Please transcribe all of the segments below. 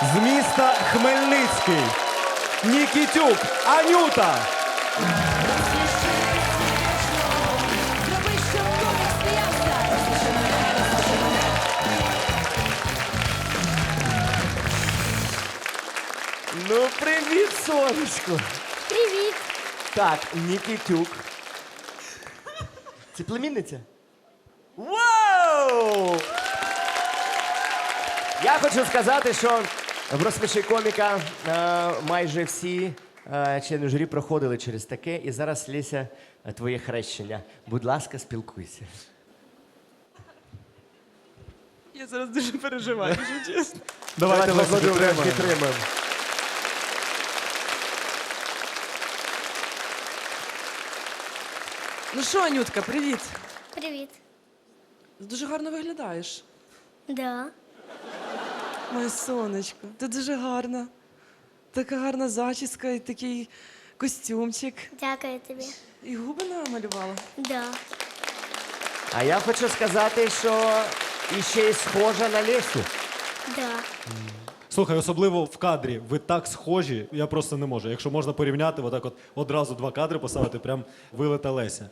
З міста Хмельницький. Нікітюк Анюта. Зроби, щоб комік сміявся. Ну, привіт, сонечко. Привіт! Так, Нікітюк. Це племінниця? Вау! Я хочу сказати, що в «Розсміши коміка» майже всі члени журі проходили через таке. І зараз, Леся, твоє хрещення. Будь ласка, спілкуйся. Я зараз дуже переживаю, якщо чесно. Давайте Лесю, підтримаємо. Ну що, Анютка, привіт. Привіт. Дуже гарно виглядаєш. Да. Моє сонечко, ти дуже гарна. Така гарна зачіска і такий костюмчик. Дякую тобі. І губи намалювала. Да. А я хочу сказати, що іще й схожа на Лесю. Да. Слухай, особливо в кадрі. Ви так схожі, я просто не можу. Якщо можна порівняти, отак от одразу два кадри поставити, прям вилета Леся.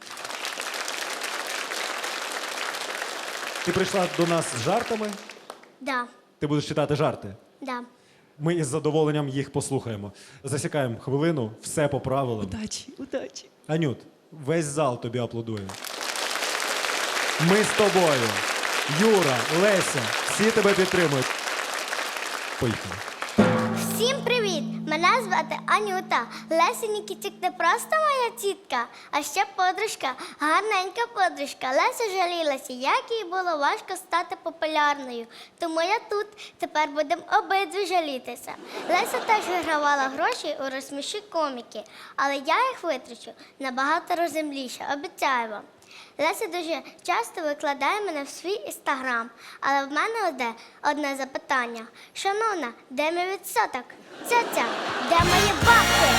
Ти прийшла до нас з жартами. Да. Ти будеш читати жарти. Да. Ми із задоволенням їх послухаємо. Засікаємо хвилину, все по правилам. Удачі, удачі. Анют, весь зал тобі аплодує. Ми з тобою. Юра, Леся, всі тебе підтримують. Поїхали. Всім привіт! Мене звати Анюта. Леся Нікітюк не просто моя тітка, а ще подружка, гарненька подружка. Леся жалілася, як їй було важко стати популярною. Тому я тут. Тепер будемо обидві жалітися. Леся теж вигравала гроші у «Розсміши коміки», але я їх витрачу набагато розумніше, обіцяю вам. Леся дуже часто викладає мене в свій інстаграм, але в мене одне запитання. Шановна, де мій відсоток? Ця, де мої бабки?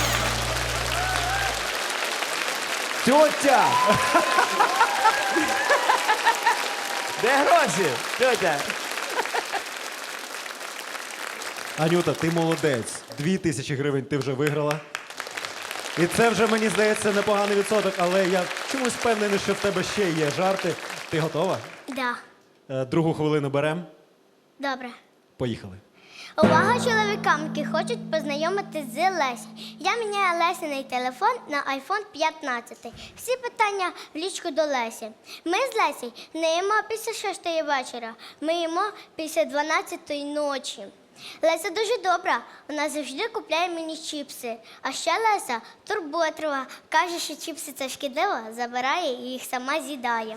Тьотя! Де гроші? Тьотя! Анюта, ти молодець. 2000 гривень ти вже виграла. І це вже, мені здається, непоганий відсоток, але я чомусь впевнений, що в тебе ще є жарти. Ти готова? Да, Другу хвилину беремо. добре. Поїхали. Увага чоловікам, які хочуть познайомитись з Лесі. Я міняю Лесиний телефон на iPhone 15. Всі питання в лічку до Лесі. Ми з Лесі не їмо після 6 вечора, ми їмо після 12 ночі. Леся дуже добра, вона завжди купляє мені чіпси. А ще Леся турботлива, каже, що чіпси це шкідливо, забирає і їх сама з'їдає.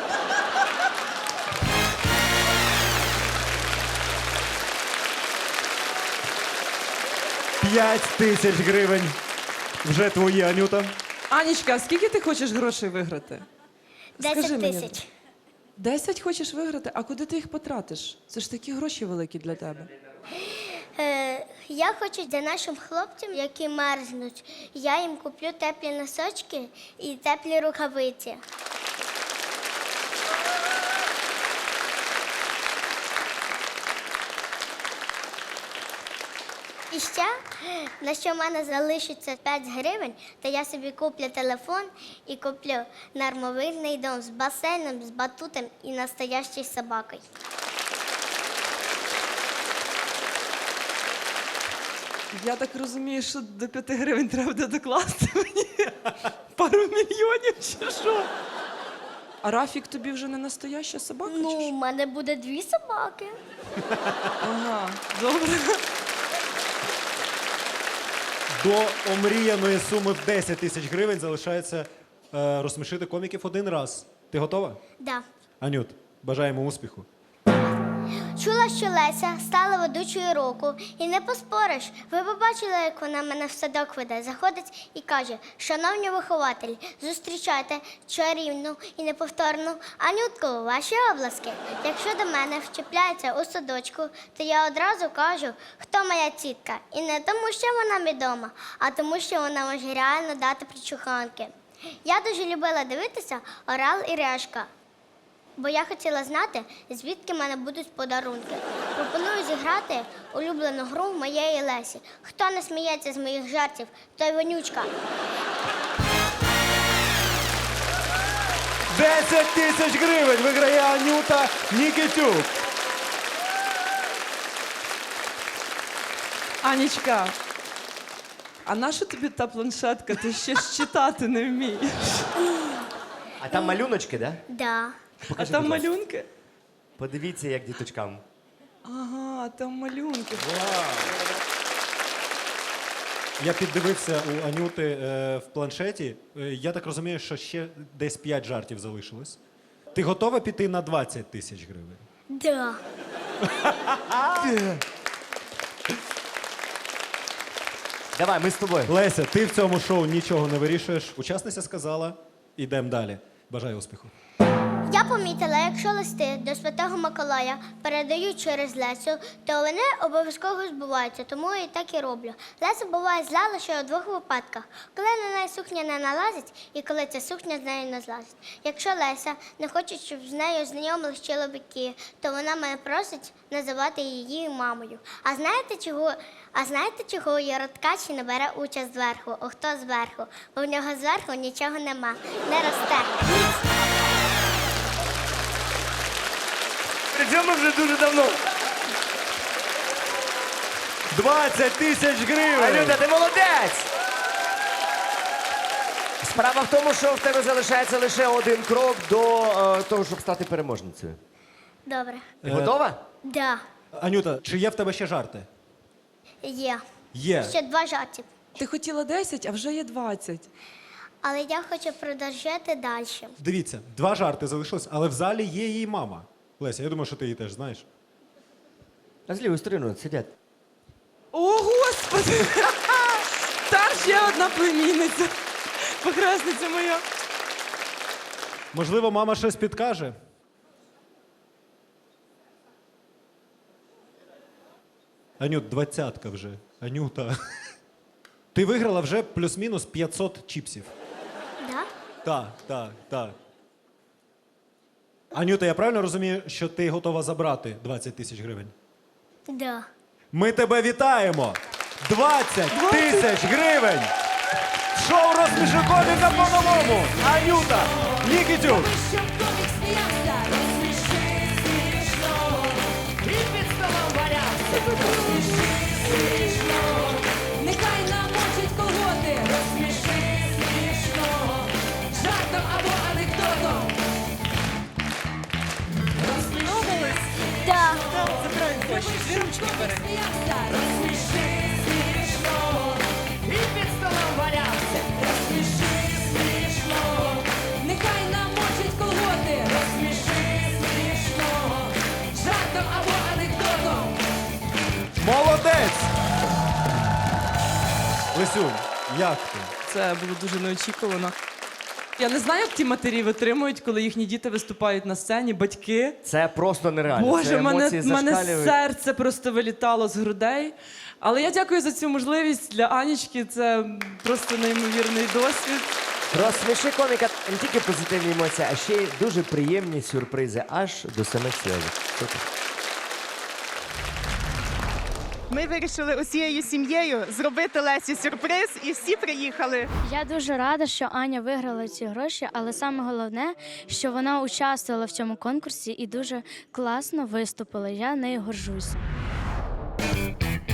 П'ять тисяч гривень. Вже твої, Анюта. Анічка, а скільки ти хочеш грошей виграти? 10 мені. тисяч. 10 хочеш виграти? А куди ти їх потратиш? Це ж такі гроші великі для тебе. Я хочу для нашим хлопцям, які мерзнуть, я їм куплю теплі носочки і теплі рукавиці. І ще, на що в мене залишиться 5 гривень, то я собі куплю телефон і куплю нормовильний дом з басейном, з батутом і настоящою собакою. Я так розумію, що до 5 гривень треба буде докласти мені пару мільйонів чи що? А Рафік тобі вже не настояща собака? Ну, чи у що? мене буде 2 собаки. Ага, добре. До омріяної суми в 10 тисяч гривень залишається розсмішити коміків один раз. Ти готова? Да. Анют, бажаємо успіху. Чула, що Леся стала ведучою року, і не поспориш. Ви побачили, як вона мене в садок веде. Заходить і каже: шановні вихователі, зустрічайте чарівну і неповторну Анютку, ваші обласки. Якщо до мене вчепляється у садочку, то я одразу кажу, хто моя тітка. І не тому, що вона відома, а тому, що вона може реально дати причуханки. Я дуже любила дивитися «Орел і решка», бо я хотіла знати, звідки в мене будуть подарунки. Пропоную зіграти грати улюблену гру моєї Лесі. Хто не сміється з моїх жартів, той вонючка. 10 тисяч гривень виграє Анюта Нікітюк. Анічка, а нащо тобі та планшетка? Ти ще ж читати не вмієш. А там малюночки, да? Да. А Покажи, там будь ласка. малюнки? Подивіться, як діточкам. Ага, там малюнки. Я піддивився у Анюти в планшеті. Я так розумію, що ще десь 5 жартів залишилось. Ти готова піти на 20 тисяч гривень? Да. Давай, ми з тобою. Леся, ти в цьому шоу нічого не вирішуєш. Учасниця сказала, ідемо далі. Бажаю успіху. Я помітила, якщо листи до Святого Миколая передають через Лесю, то вони обов'язково збуваються, тому я так і роблю. Леся буває зла лише у двох випадках: коли на неї сукня не налазить і коли ця сукня з нею не злазить. Якщо Леся не хоче, щоб з нею знайомились чоловіки, то вона мене просить називати її мамою. А знаєте, чого Яроткачі не бере участь зверху? О, хто зверху? Бо в нього зверху нічого нема, не росте. Причому вже дуже давно. 20 тисяч гривень! Анюта, ти молодець! Справа в тому, що в тебе залишається лише один крок до того, щоб стати переможницею. Добре. Ти готова? Да, Анюта, чи є в тебе ще жарти? є. Є. Ще 2 жарти. Ти хотіла 10, а вже є 20. Але я хочу продовжити далі. Дивіться, 2 жарти залишилось, але в залі є її мама. Леся, я думаю, що ти її теж знаєш. А з лівої сторони сидять. О, Господи! Там ще одна племінниця. Похресниця моя. Можливо, мама щось підкаже? Анют, 20-ка вже. Анюта. Ти виграла вже плюс-мінус 500 чіпсів. Да? Так. Анюта, я правильно розумію, що ти готова забрати 20 тисяч гривень? Да. Ми тебе вітаємо! 20 тисяч гривень! Шоу «Розсміши коміка» по-новому! Анюта Нікітюк! Щоб комік сміявся, розсміши смішно. І під столом валявся, розсміши смішно. Нехай намочить колготи, розсміши смішно. Жартом або анекдотом. Розсміши Да. сміявся, розсміши смішно. І під столом валявся, розсміши смішно. Нехай намочить колготи, розсміши смішно. Жартом або анекдотом. Молодець! Лесюнь, як ти? Це було дуже неочікувано. Я не знаю, як ті матері витримують, коли їхні діти виступають на сцені, батьки. Це просто нереально. Боже, Це емоції мене зашкалюють. серце просто вилітало з грудей. Але я дякую за цю можливість для Анічки. Це просто неймовірний досвід. Розсміши коміка не тільки позитивні емоції, а ще й дуже приємні сюрпризи аж до самих сльозів. Супер. Ми вирішили усією сім'єю зробити Лесі сюрприз, і всі приїхали. Я дуже рада, що Аня виграла ці гроші, але саме головне, що вона участвувала в цьому конкурсі і дуже класно виступила. Я нею горжусь.